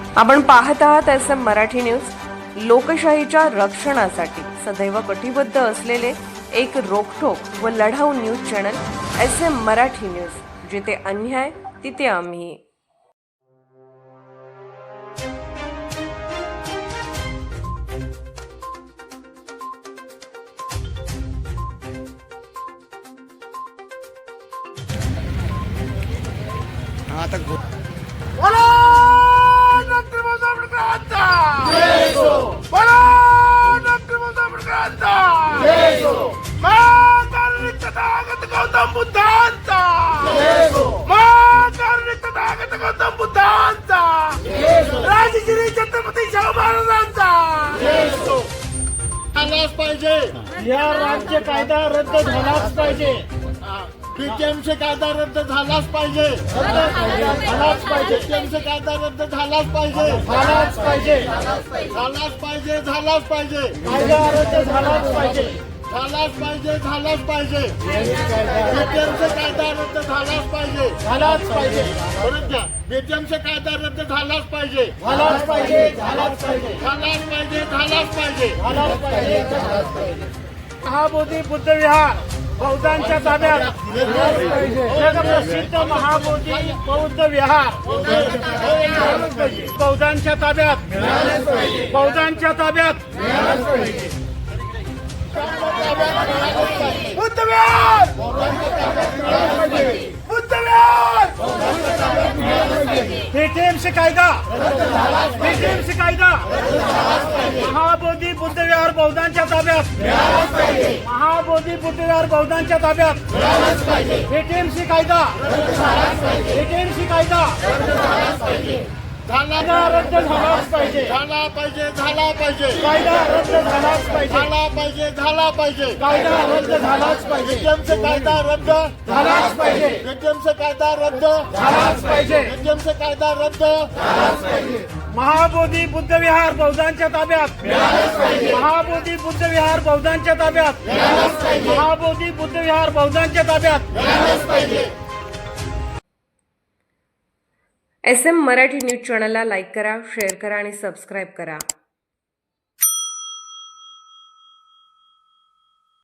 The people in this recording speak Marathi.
आपण पाहत आहात SM मराठी न्यूज। लोकशाहीच्या रक्षणासाठी सदैव कटिबद्ध असलेले एक रोखठोक व लढाऊ news channel SM Marathi news. जिथे अन्याय तिथे आम्ही। आता बोला डॉक्टर बाबासाहेब आंबेडकरांचा जय हो। बोला डॉक्टर बाबासाहेब आंबेडकरांचा जय हो। महाकारुणिक तथागत गौतम बुद्धांचा जय हो। महाकारुणिक तथागत गौतम बुद्धांचा जय हो। राजश्री छत्रपती शाहू महाराजांचा जय हो। झालाच पाहिजे, या राज्य कायदा रद्द झालाच पाहिजे, बीटीएमसी कायदा रद्द झालाच पाहिजे, झालाच पाहिजे, बीटीएमसी कायदा रद्द झालाच पाहिजे, झालाच पाहिजे, झालाच पाहिजे, झालाच पाहिजे, कायदा रद्द झालाच पाहिजे, झालाच पाहिजे, झालाच पाहिजे, बीटीएमसी कायदा रद्द झालाच पाहिजे, झालाच पाहिजे, परत घ्या, बीटीएमसी कायदा रद्द झालाच पाहिजे, झालाच पाहिजे, झालाच पाहिजे, झालाच पाहिजे, झालाच पाहिजे, झालाच पाहिजे, झालाच पाहिजे। महाबोधी बुद्ध विहार बौद्धांच्या ताब्यात जगप्रसिद्ध महाबोधी बौद्ध विहार बौद्धांच्या ताब्यात, बौद्धांच्या ताब्यात बुद्ध विहार बुद्ध विहार बीटीएमसी कायदा, बीटीएमसी कायदा, महाबोधी बुद्ध विहार बौद्धांच्या ताब्यात, महाबोधी बुद्ध विहार बौद्धांच्या ताब्यात, बीटीएमसी कायदा, बीटीएमसी कायदा झाला रद्द झालाच पाहिजे, झाला पाहिजे, झाला पाहिजे, कायदा रद्द झालाच पाहिजे, झाला पाहिजे, झाला पाहिजे, कायदा रद्द झालाच पाहिजे, बीटीएमसी कायदा रद्द झालाच पाहिजे, बीटीएमसी कायदा रद्द झालाच पाहिजे, बीटीएमसी कायदा रद्द झालाच पाहिजे। महाबोधी बुद्ध विहार बौद्धांच्या ताब्यात, महाबोधी बुद्ध विहार बौद्धांच्या ताब्यात, महाबोधी बुद्ध विहार बौद्धांच्या ताब्यात। SM मराठी न्यूज चॅनलला लाईक करा, शेअर करा आणि सबस्क्राईब करा।